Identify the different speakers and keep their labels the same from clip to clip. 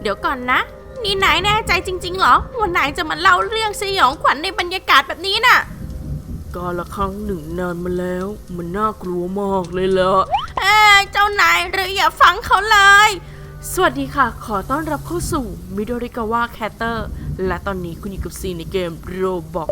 Speaker 1: เดี๋ยวก่อนนะนี่นายแน่ใจจริงๆเหรอว่านายจะมาเล่าเรื่องสยองขวัญในบรรยากาศแบบนี้น่ะ
Speaker 2: กาละครั้งหนึ่งนานมาแล้วมันน่ากลัวมากเลยล่ะ
Speaker 1: เจ้านายหรืออย่าฟังเขาเลย
Speaker 2: สวัสดีค่ะขอต้อนรับเข้าสู่มิโดริกาวะแคตเตอร์และตอนนี้คุณอยู่กับซีในเกมโรบอก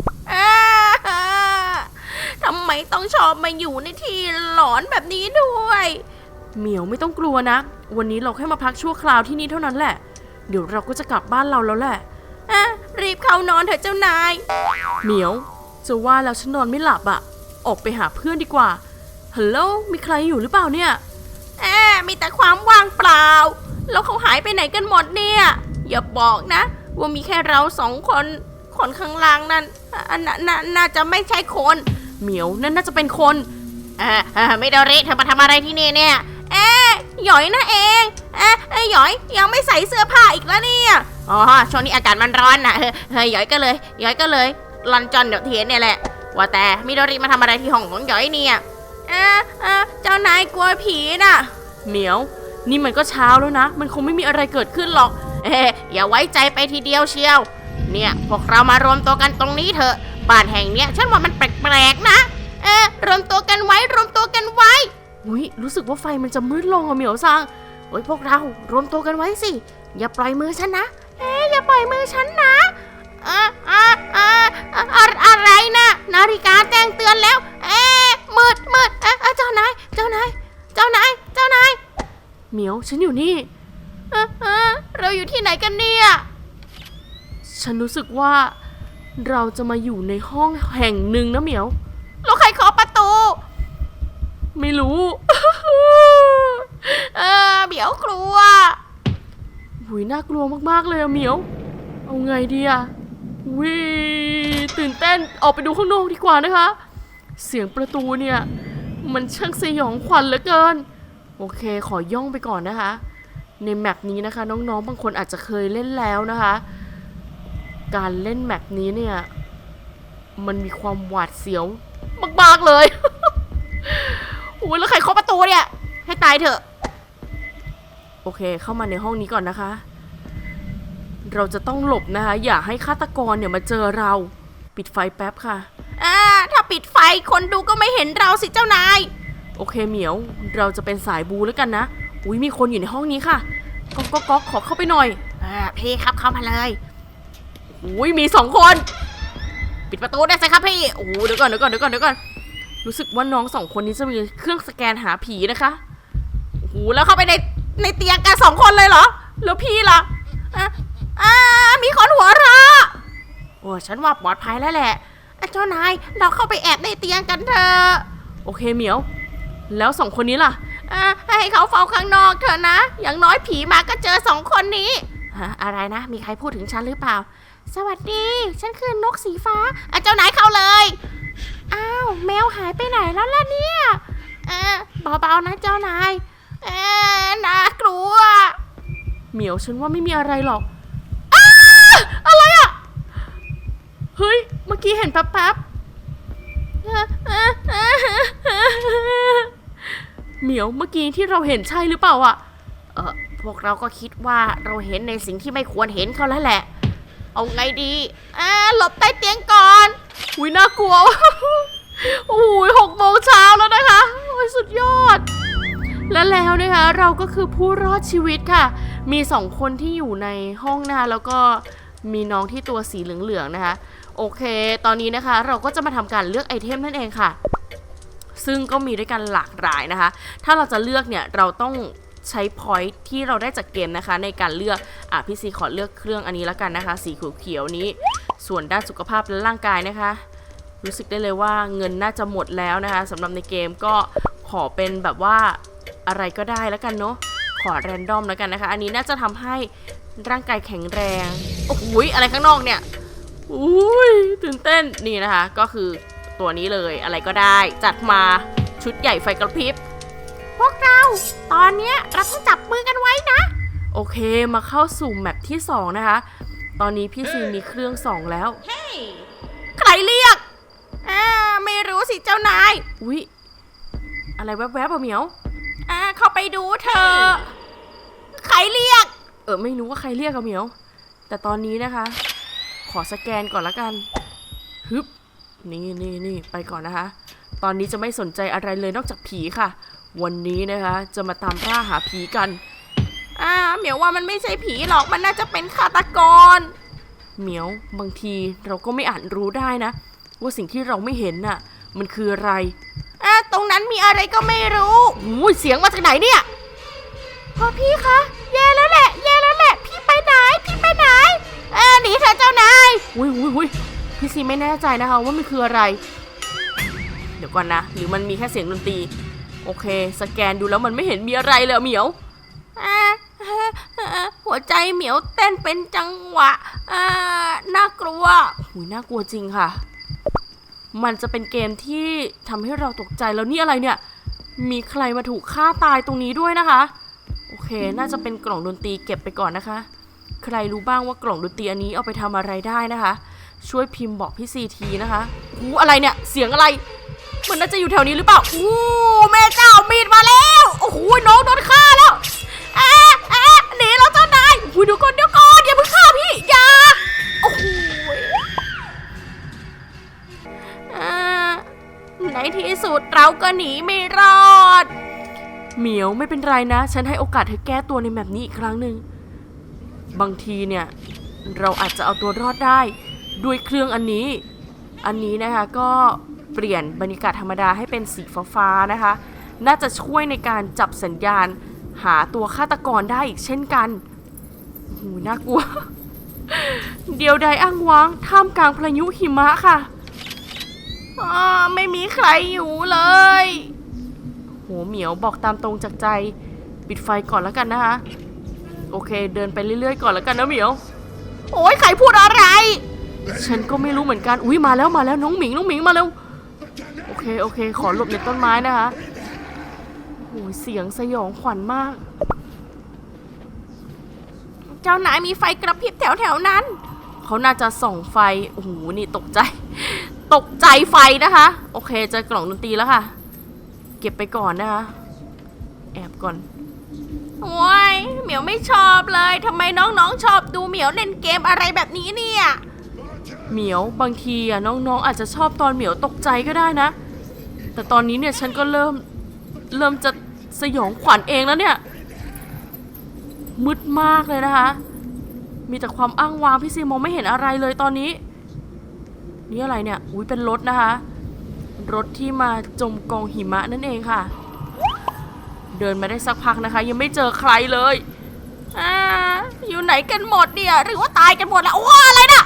Speaker 1: ทำไมต้องชอบมาอยู่ในที่หลอนแบบนี้ด้วย
Speaker 2: เหมียวไม่ต้องกลัวนะวันนี้เราแค่มาพักชั่วคราวที่นี่เท่านั้นแหละเดี๋ยวเราก็จะกลับบ้านเราแล้วแหละ
Speaker 1: รีบเข้านอนเถอะเจ้านาย
Speaker 2: เหมียวจะว่าแล้วฉันนอนไม่หลับอะออกไปหาเพื่อนดีกว่าฮัลโหลมีใครอยู่หรือเปล่าเนี่ย
Speaker 1: มีแต่ความว่างเปล่าแล้วเขาหายไปไหนกันหมดเนี่ยอย่าบอกนะว่ามีแค่เราสองคนคนข้างล่างนั่นน่าจะไม่ใช่คน
Speaker 2: เหมียวนั่นน่าจะเป็นคน
Speaker 1: ไม่โดริเธอมาทำอะไรที่นี่เนี่ยหยอยนะเองหยอยยังไม่ใส่เสื้อผ้าอีกแล้วเนี่ยอ๋อช่วงนี้อากาศมันร้อนน่ะหยอยก็เลยลอนจอนเดี๋ยวเทียนเนี่ยแหละว่าแต่มิโดริมาทำอะไรที่ห้องของหยอยเนี่ยเจ้านายกลัวผีน่ะ
Speaker 2: เหมียวนี่มันก็เช้าแล้วนะมันคงไม่มีอะไรเกิดขึ้นหรอก
Speaker 1: อย่าไว้ใจไปทีเดียวเชียวเนี่ยพวกเรามารวมตัวกันตรงนี้เถอะบ้านแห่งเนี้ยฉันว่ามันแปลกๆนะรวมตัวกันไว้
Speaker 2: อุ้ยรู้สึกว่าไฟมันจะมืดลงอะเหมียวซัง
Speaker 1: โอ้ยพวกเรารวมตัวกันไว้สิอย่าปล่อยมือฉันนะอย่าปล่อยมือฉันนะอะไรนะนาฬิกาแจ้งเตือนแล้วมืดเจ้านาย
Speaker 2: เหมียวฉันอยู่นี่
Speaker 1: เราอยู่ที่ไหนกันเนี่ย
Speaker 2: ฉันรู้สึกว่าเราจะมาอยู่ในห้องแห่งหนึ่งนะเหมียว
Speaker 1: แล้วใครเคาะประตู
Speaker 2: ไม่รู้
Speaker 1: เหมียวกลัว
Speaker 2: หุยน่ากลัวมากๆเลยอะเหมียวเอาไงดีอะวิตื่นเต้นออกไปดูข้างนอกดีกว่านะคะเสียงประตูเนี่ยมันช่างสยองขวัญเหลือเกินโอเคขอย่องไปก่อนนะคะในแมปนี้นะคะน้องๆบางคนอาจจะเคยเล่นแล้วนะคะการเล่นแมปนี้เนี่ยมันมีความหวาดเสียวมากๆเลย
Speaker 1: โอ้ยแล้วใครเคาะประตูเนี่ยให้ตายเถอะ
Speaker 2: โอเคเข้ามาในห้องนี้ก่อนนะคะเราจะต้องหลบนะคะอย่าให้ฆาตกรเนี่ยมาเจอเราปิดไฟแป๊บค่ะ
Speaker 1: ถ้าปิดไฟคนดูก็ไม่เห็นเราสิเจ้านาย
Speaker 2: โอเคเหมียวเราจะเป็นสายบูแล้วกันนะอุ้ยมีคนอยู่ในห้องนี้ค่ะก๊อกขอเข้าไปหน่อย
Speaker 1: พี่ครับเข้ามาเลย
Speaker 2: อุ้ยมี2 คน
Speaker 1: ปิดประตูได้สิครับพี่
Speaker 2: โอ้เดี๋ยวก่อนรู้สึกว่าน้อง2 คนนี้จะมีเครื่องสแกนหาผีนะคะ
Speaker 1: โอ้โหแล้วเข้าไปในเตียงกัน2 คนเลยเหรอแล้วพี่ล่ะมีคนหัวเราะโอ้ฉันว่าปลอดภัยแล้วแหละเจ้านายเราเข้าไปแอบในเตียงกันเถอะ
Speaker 2: โอเคเหมียวแล้ว2 คนนี้ล่ะ
Speaker 1: ให้เขาเฝ้าข้างนอกเถอะนะอย่างน้อยผีมาก็เจอ2 คนนี้อะไรนะมีใครพูดถึงฉันหรือเปล่าสวัสดีฉันคือนกสีฟ้าเจ้านายเข้าเลยอ้าวแมวหายไปไหนแล้วล่ะเนี่ยเบาๆนะเจ้านายน่ากลัว
Speaker 2: เหมียวฉันว่าไม่มีอะไรหรอก
Speaker 1: อะไรอะ
Speaker 2: เฮ้ยเมื่อกี้เห็นแป๊บเหมียวเมื่อกี้ที่เราเห็นใช่หรือเปล่าอะ
Speaker 1: พวกเราก็คิดว่าเราเห็นในสิ่งที่ไม่ควรเห็นเขาแล้วแหละเอาไงดีหลบใต้เตียงก่อน
Speaker 2: อุ้ยน่ากลัวโอ้ย6 โมงเช้าแล้วนะคะโอ้ยสุดยอดแล้วนะคะเราก็คือผู้รอดชีวิตค่ะมี2 คนที่อยู่ในห้องนะคะแล้วก็มีน้องที่ตัวสีเหลืองๆนะคะโอเคตอนนี้นะคะเราก็จะมาทำการเลือกไอเทมนั่นเองค่ะซึ่งก็มีด้วยกันหลากหลายนะคะถ้าเราจะเลือกเนี่ยเราต้องใช้พอยท์ที่เราได้จากเกมนะคะในการเลือกพี่ซีขอเลือกเครื่องอันนี้แล้วกันนะคะสีเขียวนี้ส่วนด้านสุขภาพและร่างกายนะคะรู้สึกได้เลยว่าเงินน่าจะหมดแล้วนะคะสำหรับในเกมก็ขอเป็นแบบว่าอะไรก็ได้แล้วกันเนาะขอแรนดอมแล้วกันนะคะอันนี้น่าจะทำให้ร่างกายแข็งแรงโอ้โหอะไรข้างนอกเนี่ยอุ้ยตื่นเต้นนี่นะคะก็คือตัวนี้เลยอะไรก็ได้จัดมาชุดใหญ่ไฟกระพริบ
Speaker 1: พวกเราตอนนี้เราต้องจับมือกันไว้นะ
Speaker 2: โอเคมาเข้าสู่แมปที่2นะคะตอนนี้พี่ซีมีเครื่อง2แล้ว
Speaker 1: ใครเรียกไม่รู้สิเจ้านาย
Speaker 2: อุ๊ยอะไรแวบๆอะเหมียว
Speaker 1: เข้าไปดูเธอใครเรียก
Speaker 2: ไม่รู้ว่าใครเรียกอะเหมียวแต่ตอนนี้นะคะ ขอสแกนก่อนละกันฮึบนี่ไปก่อนนะคะ ตอนนี้จะไม่สนใจอะไรเลยนอกจากผีค่ะ วันนี้นะคะจะมาตามล่าหาผีกัน
Speaker 1: เหมียวว่ามันไม่ใช่ผีหรอกมันน่าจะเป็นฆาตกร
Speaker 2: เหมียวบางทีเราก็ไม่อาจรู้ได้นะว่าสิ่งที่เราไม่เห็นน่ะมันคืออะไร
Speaker 1: ตรงนั้นมีอะไรก็ไม่รู้
Speaker 2: เสียงมาจากไหนเนี่ย
Speaker 1: พ่อพี่คะแย่แล้วแหละพี่ไปไหนหนีเถอะเจ้านาย
Speaker 2: พี่ซีไม่แน่ใจนะคะว่ามันคืออะไร เดี๋ยวก่อนนะหรือมันมีแค่เสียงดนตรีโอเคสแกนดูแล้วมันไม่เห็นมีอะไรเลยเหมียว
Speaker 1: หัวใจเหมียวเต้นเป็นจังหวะน่ากลัว
Speaker 2: น่ากลัวจริงค่ะมันจะเป็นเกมที่ทำให้เราตกใจแล้วนี่อะไรเนี่ยมีใครมาถูกฆ่าตายตรงนี้ด้วยนะคะโอเคน่าจะเป็นกล่องดนตรีเก็บไปก่อนนะคะใครรู้บ้างว่ากล่องดนตรีอันนี้เอาไปทำอะไรได้นะคะช่วยพิมพ์บอกพี่ซีทีนะคะอะไรเนี่ยเสียงอะไรมันน่าจะอยู่แถวนี้หรือเปล่า
Speaker 1: แม่เจ้ามีดมาแล้วโอ้โหน้องโดนฆ่าแล้วหนีแล้วเจ้านาย
Speaker 2: เดี๋ยวก่อนอย่าเพิ่งฆ่าพี่อย่า
Speaker 1: โอ้โหในที่สุดเราก็หนีไม่รอด
Speaker 2: เหมียวไม่เป็นไรนะฉันให้โอกาสเธอแก้ตัวในแบบนี้อีกครั้งหนึ่งบางทีเนี่ยเราอาจจะเอาตัวรอดได้ด้วยเครื่องอันนี้นะคะก็เปลี่ยนบรรยากาศธรรมดาให้เป็นสีฟ้าๆนะคะน่าจะช่วยในการจับสัญญาณหาตัวฆาตกรได้อีกเช่นกันน่ากลัว เดียวดายอ้างว้างท่ามกลางพายุหิมะค่ะ
Speaker 1: ไม่มีใครอยู่เลย
Speaker 2: เหมียวบอกตามตรงจากใจปิดไฟก่อนแล้วกันนะคะโอเคเดินไปเรื่อยๆก่อนแล้วกันนะเหมียว
Speaker 1: โอ้ยใครพูดอะไร
Speaker 2: ฉันก็ไม่รู้เหมือนกันมาแล้วน้องหมิงมาเร็วโอเคขอหลบในต้นไม้นะคะเสียงสยองขวัญมาก
Speaker 1: เจ้านายมีไฟกระพริบแถวนั้น
Speaker 2: เขาน่าจะส่องไฟนี่ตกใจไฟนะคะโอเคเจอกล่องดนตรีแล้วค่ะเก็บไปก่อนนะคะแอบก่อน
Speaker 1: โอ้ยเหมียวไม่ชอบเลยทำไมน้องๆชอบดูเหมียวเล่นเกมอะไรแบบนี้เนี่ย
Speaker 2: เหมียวบางทีน้องๆอาจจะชอบตอนเหมียวตกใจก็ได้นะแต่ตอนนี้เนี่ยฉันก็เริ่มจะสยองขวัญเองแล้วเนี่ยมืดมากเลยนะคะมีแต่ความอ้างว้างพี่ซีมองไม่เห็นอะไรเลยตอนนี้นี่อะไรเนี่ยเป็นรถนะคะรถที่มาจมกองหิมะนั่นเองค่ะเดินมาได้สักพักนะคะยังไม่เจอใครเลย
Speaker 1: อยู่ไหนกันหมดเนี่ยหรือว่าตายกันหมดแล้วอะไรน่ะ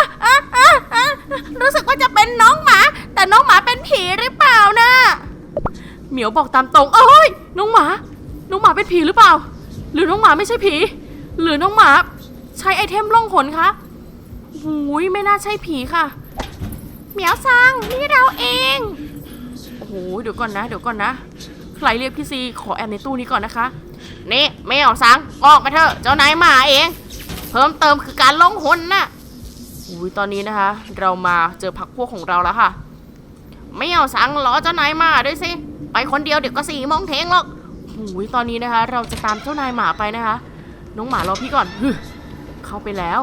Speaker 1: รู้สึกว่าจะเป็นน้องหมาแต่น้องหมาเป็นผีหรือเปล่านะ
Speaker 2: เหมียวบอกตามตรงน้องหมาเป็นผีหรือเปล่าหรือน้องหมาไม่ใช่ผีหรือน้องหมาใช้ไอเทมล่องหนคะไม่น่าใช่ผีค่ะ
Speaker 1: เหมียวซังนี่เราเอง
Speaker 2: เดี๋ยวก่อนนะใครเรียกพี่ซีขอแอบในตู้นี้ก่อนนะคะนี่แมวซังออกมาเถอะเจ้านายมาเองเพิ่มเติมคือการล่องหนน่ะตอนนี้นะคะเรามาเจอพรรคพวกของเราแล้วค่ะไม่เอาสั่งรอเจ้านายมาด้วยสิไปคนเดียวเดี๋ยวก็4 โมงเทงหรอกตอนนี้นะคะเราจะตามเจ้านายหมาไปนะคะน้องหมารอพี่ก่อนเข้าไปแล้ว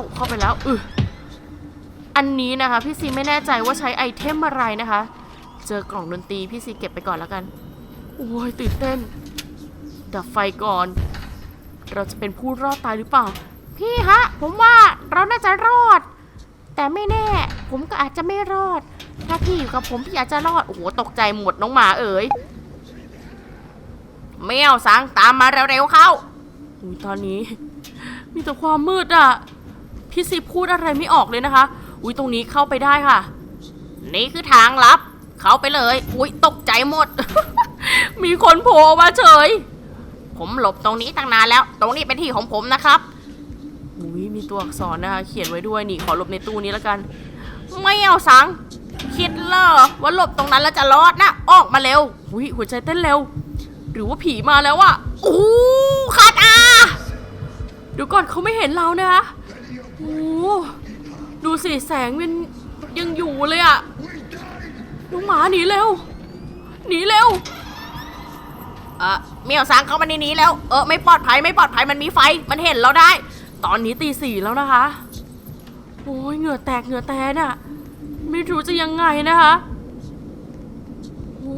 Speaker 2: อันนี้นะคะพี่ซีไม่แน่ใจว่าใช้ไอเทมอะไรนะคะเจอกล่องดนตรีพี่ซีเก็บไปก่อนแล้วกันตื่นเต้นดับไฟก่อนเราจะเป็นผู้รอดตายหรือเปล่า
Speaker 1: พี่ฮะผมว่าเราน่าจะรอดแต่ไม่แน่ผมก็อาจจะไม่รอดถ้าพี่อยู่กับผมพี่อาจจะรอด
Speaker 2: ตกใจหมดน้องหมาเอ๋ยแมวสังตามมาเร็วๆเข้าตอนนี้มีแต่ความมืดพี่ซีพูดอะไรไม่ออกเลยนะคะตรงนี้เข้าไปได้ค่ะ
Speaker 1: นี่คือทางลับเข้าไปเลยตกใจหมด
Speaker 2: มีคนโผล่มาเฉย
Speaker 1: ผมหลบตรงนี้ตั้งนานแล้วตรงนี้เป็นที่ของผมนะครับ
Speaker 2: มีตัวอักษรนะคะเขียนไว้ด้วยนี่ขอหลบในตู้นี้แล้วกัน
Speaker 1: ไม่เอาสังคิดเหรอว่าหลบตรงนั้นแล้วจะรอดนะออกมาเร็ว
Speaker 2: หัวใจเต้นเร็วหรือว่าผีมาแล้ว
Speaker 1: คาตา
Speaker 2: เดี๋ยวก่อนเขาไม่เห็นเรานะคะดูสิแสงมันยังอยู่เลยน้องหมาหนีเร็ว
Speaker 1: เมียวซังเข้ามาในนี้แล้วไม่ปลอดภัยมันมีไฟมันเห็นเราได้
Speaker 2: ตอนนี้ตี 4แล้วนะคะโอ้ยเหงื่อแตกน่ะไม่รู้จะยังไงนะคะโอ้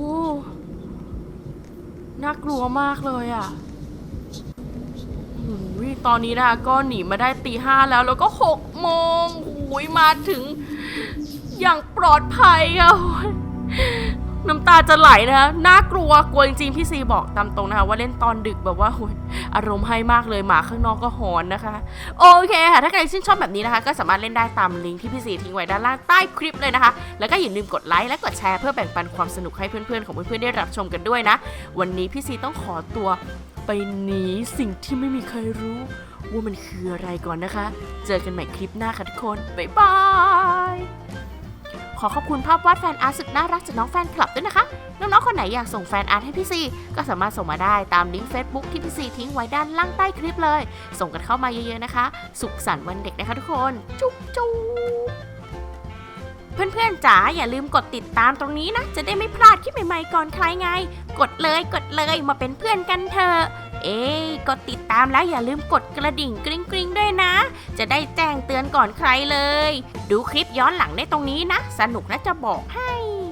Speaker 2: น่ากลัวมากเลยอ่ะโอ้ยตอนนี้นะคะก็หนีมาได้ตี 5แล้วก็6 โมงโอ้ยมาถึงอย่างปลอดภัยอ่ะโอ้ยน้ำตาจะไหลนะคะน่ากลัวจริงๆพี่ซีบอกตามตรงนะคะว่าเล่นตอนดึกแบบว่าโอ้ยอารมณ์ให้มากเลยหมาข้างนอกก็หอนนะคะโอเคค่ะถ้าใครชื่นชอบแบบนี้นะคะก็สามารถเล่นได้ตามลิงก์ที่พี่ซีทิ้งไว้ด้านล่างใต้คลิปเลยนะคะแล้วก็อย่าลืมกดไลค์และกดแชร์เพื่อแบ่งปันความสนุกให้เพื่อนๆของเพื่อนๆได้รับชมกันด้วยนะวันนี้พี่ซีต้องขอตัวไปหนีสิ่งที่ไม่มีใครรู้ว่ามันคืออะไรก่อนนะคะเจอกันใหม่คลิปหน้าค่ะทุกคนบ๊ายบายขอขอบคุณภาพวาดแฟนอาร์ตสุดน่ารักจากน้องแฟนคลับด้วยนะคะน้องๆคนไหนอยากส่งแฟนอาร์ตให้พี่ซีก็สามารถส่งมาได้ตามลิงก์ Facebook ที่พี่ซีทิ้งไว้ด้านล่างใต้คลิปเลยส่งกันเข้ามาเยอะๆนะคะสุขสันต์วันเด็กนะคะทุกคนจุ๊บจุ๊บเพื่อนๆจ๋าอย่าลืมกดติดตามตรงนี้นะจะได้ไม่พลาดคลิปใหม่ๆก่อนใครไงกดเลยมาเป็นเพื่อนกันเถอะกดติดตามแล้วอย่าลืมกดกระดิ่งกริ๊งๆด้วยนะจะได้แจ้งเตือนก่อนใครเลยดูคลิปย้อนหลังได้ตรงนี้นะสนุกนะจะบอกให้